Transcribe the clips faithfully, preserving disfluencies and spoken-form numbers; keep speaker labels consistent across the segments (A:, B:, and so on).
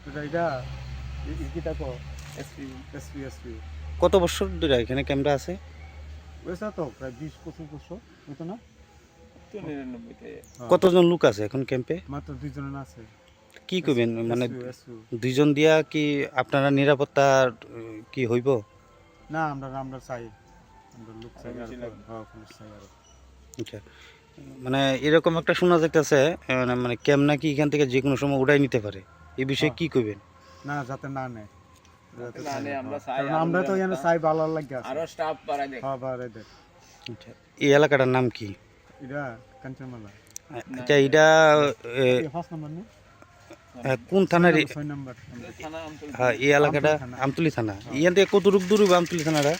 A: এটা এটা কো SP SP SP
B: কত বছর ধরে এখানে ক্যামেরা আছে?
A: ওইসা তো প্রায় বিশ পঁচিশ বছর হতো না?
C: তো নিরানব্বইতে
B: কতজন লোক আছে এখন ক্যাম্পে?
A: মাত্র দুইজন আছে।
B: কি করবেন মানে
A: এসপি, এসপি।
B: দুইজন দিয়া কি আপনারা নিরাপত্তা কি হইব?
A: না আমরা আমরা চাই আমরা লোক চাই
C: আরো
A: আর
C: বেশি লাগবে।
A: হ্যাঁ পুলিশ চাই আর
B: আচ্ছা, মানে এরকম একটা শোনা যাইতেছে মানে মানে ক্যাম্প নাকি এখান থেকে যে কোনো সময় উড়াই নিতে পারে, এই বিষয়ে
A: হ্যাঁ।
B: কি করবেন?
A: না যাতে না নেয় যাতে
C: না
A: চাই
C: নেয়,
A: না,
C: আমরা
A: হ্যাঁ।
C: চাই
A: কারণ
C: আরো
A: আমরা তো এখানে
C: নিরাপত্তা।
A: চাই ভালো লাগে আছে
C: আরো স্টাফ বাড়াই দেখ
A: হ্যাঁ বারে দেখ
B: আচ্ছা, এই এলাকাটার নাম কি?
A: এটা কাঞ্চনমালা
B: আচ্ছা, এটা এ,
A: ফার্স্ট নাম্বার নেই
B: এ, কোন থানার? এ-
A: ছয় নাম্বার
C: থানা আমতলী
B: হ্যাঁ, এই এলাকাটা
A: আমতলী থানা।
B: আমতলী থানা। ইয়ান থেকে কতটুক দূর হবে আমতলী থানাটা?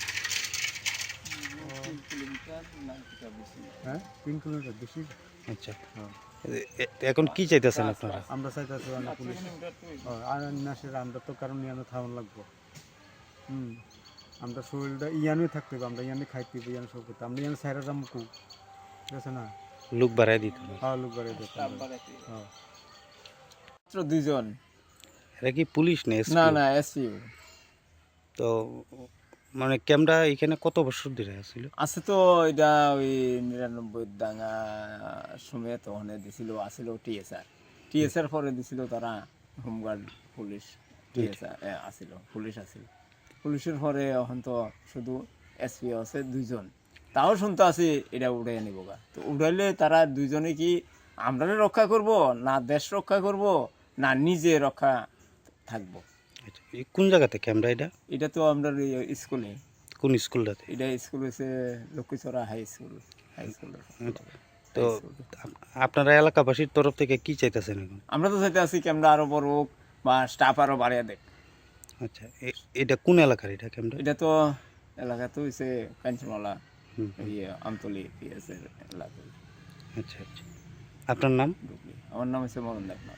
C: তিন কিলোমিটার না কিছু বেশি
A: হ্যাঁ তিন কিলোমিটার বেশি
B: আচ্ছা,
A: হ্যাঁ
B: এ- এ- এখন কি চাইতেছেন আপনারা?
A: আমরা চাইতেছি অনেক
C: পাঁচ
A: পুলিশ
C: কিলোমিটার তো
A: ও, আর নাসের আমরা তো কারণ ইয়ানো থামান লাগবো হুম আমরা শরীরটা ইয়ানোই থাকতে হবে আমরা ইয়ানে খাইতে হবে ইয়ানো সব করতে আমরা ইয়ানো সাইরা যাবো ঠিক আছে না
B: লোক বাড়াই দিতে হবে।
A: হ্যাঁ লোক বাড়িয়ে দিতে
C: স্টাফ
A: হবে
C: বাড়াইতে
A: হ্যাঁ
C: মাত্র দুইজন
B: এরা কি পুলিশ নেই?
C: না না এসপিও
B: তো মানে ক্যামেরা এখানে কত বছর ধরে আছিল?
C: আছে তো এটা ওই নিরানব্বই দাঙ্গা সময় তো ওখানে দিছিল আসিল টিএসআর টিএসআর পরে দিছিল তারা হোমগার্ড পুলিশ টিএসআর আসিল পুলিশ আসিল পুলিশের পরে এখন তো শুধু এসপি আছে দুইজন তাও শুনতে আছি এটা উড়াই নিব গা তো উড়াইলে তারা দুইজনে কি আমরা রক্ষা করব না দেশ রক্ষা করব না নিজে রক্ষা থাকবো
B: আচ্ছা, এই কোন জায়গাতে ক্যামেরা এটা?
C: এটা তো আমরা এই স্কুলে
B: কোন স্কুলটাতে?
C: এটা স্কুল হচ্ছে Lakshmichhara high school high school
B: তো আপ- আপনারা এলাকাবাসীর তরফ থেকে কি চাইতেছেন এখন?
C: আমরা তো চাইতে আছি ক্যামেরা আরো বড় হোক বা স্টাফ আরো বাড়িয়ে দেখ
B: আচ্ছা, এ- এটা কোন এলাকার এটা ক্যামেরা?
C: এটা তো এলাকা তো হচ্ছে কাঞ্চনমালা
B: হুম,
C: ইয়ে আমতলি পিএসের এলাকা
B: আচ্ছা আচ্ছা, আপনার নাম?
C: ঢুকলি আমার নাম হচ্ছে মরণ দেবনাথ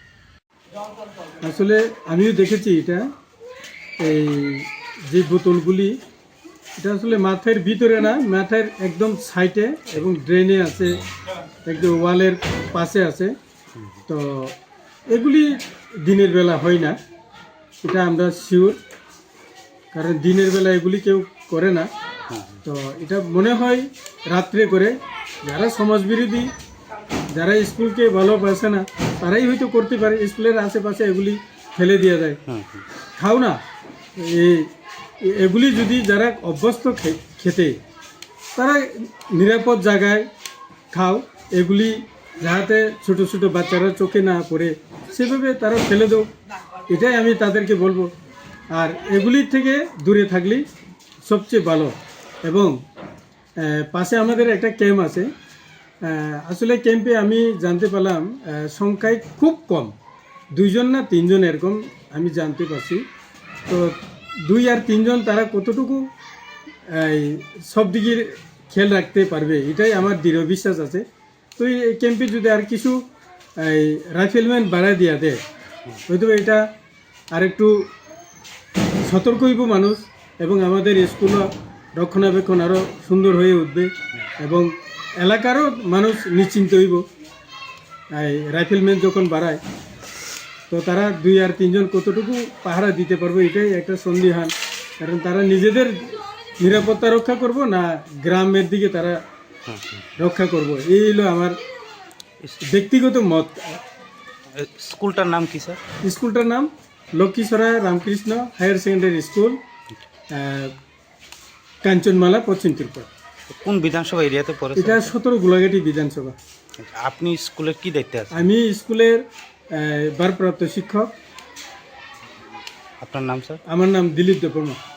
D: আসলে আমিও দেখেছি এটা এই যে বোতলগুলি এটা আসলে মাথার ভিতরে না মাথার একদম সাইডে এবং ড্রেনে আছে একদম ওয়ালের পাশে আছে তো এগুলি দিনের বেলা হয় না এটা আমরা শিওর কারণ দিনের বেলা এগুলি কেউ করে না তো এটা মনে হয় রাত্রে করে যারা সমাজবিরোধী যারা স্কুলকে ভালোবাসে না তারাই হয়তো করতে পারে স্কুলের আশেপাশে এগুলি ফেলে দিয়ে যায়
B: হুম হুম,
D: খাও না এই এগুলি যদি যারা অভ্যস্ত খে- খেতে তারা নিরাপদ জায়গায় খাও এগুলি যাহাতে ছোট ছোট বাচ্চারা চোখে না পড়ে সেভাবে তারা ফেলে দাও এটাই আমি তাদেরকে বলবো আর এগুলির থেকে দূরে থাকলেই সবচেয়ে ভালো এবং আহ, পাশে আমাদের একটা ক্যাম্প আছে আহ, আসলে ক্যাম্পে আমি জানতে পারলাম আহ, সংখ্যায় খুব কম দুইজন না তিনজন এরকম আমি জানতে পারছি তো দুই আর তিনজন তারা কতটুকু এই সব দিকের খেয়াল রাখতে পারবে এটাই আমার দৃঢ় বিশ্বাস আছে তো এই ক্যাম্পে যদি আর কিছু এই রাইফেলম্যান বাড়ায় দেওয়া দেয় হয়তো এটা আর একটু সতর্ক হইব মানুষ এবং আমাদের স্কুলও রক্ষণাবেক্ষণ আরও সুন্দর হয়ে উঠবে এবং এলাকারও মানুষ নিশ্চিন্ত হইব এই রাইফেলম্যান যখন বাড়ায় তো তারা দুই আর তিনজন কতটুকু পাহারা দিতে পারবে এটাই একটা সন্দিহান কারণ তারা নিজেদের নিরাপত্তা রক্ষা করব না গ্রামের দিকে তারা
B: হুম, হুম।
D: রক্ষা করব এই হলো আমার ব্যক্তিগত মত
B: এ, স্কুলটার নাম কি স্যার?
D: স্কুলটার নাম Lakshmichhara Ramakrishna higher secondary school আহ, কাঞ্চনমালা পশ্চিম ত্রিপুরা
B: কোন বিধানসভা এরিয়াতে পড়ে স্যার?
D: এটা সতেরো গোলাঘাটি বিধানসভা
B: আচ্ছা, আপনি স্কুলের কি দায়িত্বে আছেন?
D: আমি স্কুলের আহ, ভারপ্রাপ্ত শিক্ষক
B: আপনার নাম স্যার?
D: আমার নাম দিলীপ দেববর্মা